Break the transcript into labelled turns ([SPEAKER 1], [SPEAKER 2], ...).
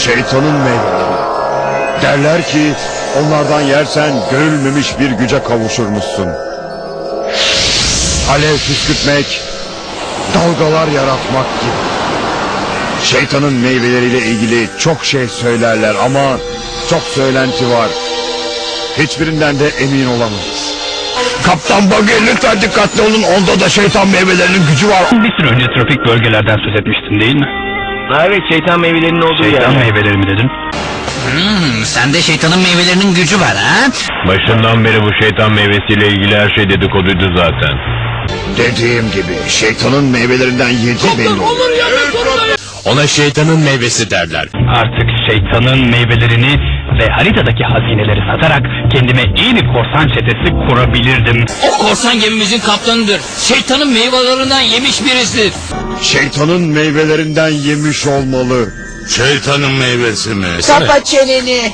[SPEAKER 1] Şeytanın meyveleri. Derler ki onlardan yersen görülmemiş bir güce kavuşurmuşsun. Alev püskürtmek, dalgalar yaratmak gibi. Şeytanın meyveleriyle ilgili çok şey söylerler ama çok söylenti var. Hiçbirinden de emin olamayız. Kaptan Buggy, lütfen dikkatli olun, onda da şeytan meyvelerinin gücü var.
[SPEAKER 2] Bir süre önce tropik bölgelerden söz etmiştin değil mi?
[SPEAKER 3] Evet, şeytan meyvelerinin olduğu
[SPEAKER 2] Şeytan
[SPEAKER 3] yer.
[SPEAKER 2] meyveleri mi dedin?
[SPEAKER 4] Sende şeytanın meyvelerinin gücü var ha?
[SPEAKER 5] Başından beri bu şeytan meyvesiyle ilgili her şey dedikoduydu zaten.
[SPEAKER 1] Dediğim gibi şeytanın meyvelerinden yedi belli olur.
[SPEAKER 5] Ona şeytanın meyvesi derler.
[SPEAKER 2] Artık şeytanın meyvelerini ve haritadaki hazineleri satarak kendime iyi bir korsan çetesi kurabilirdim.
[SPEAKER 4] O korsan gemimizin kaptanıdır. Şeytanın meyvelerinden yemiş birisi.
[SPEAKER 1] Şeytanın meyvelerinden yemiş olmalı.
[SPEAKER 5] Şeytanın meyvesi mi?
[SPEAKER 6] Kapa çeneni.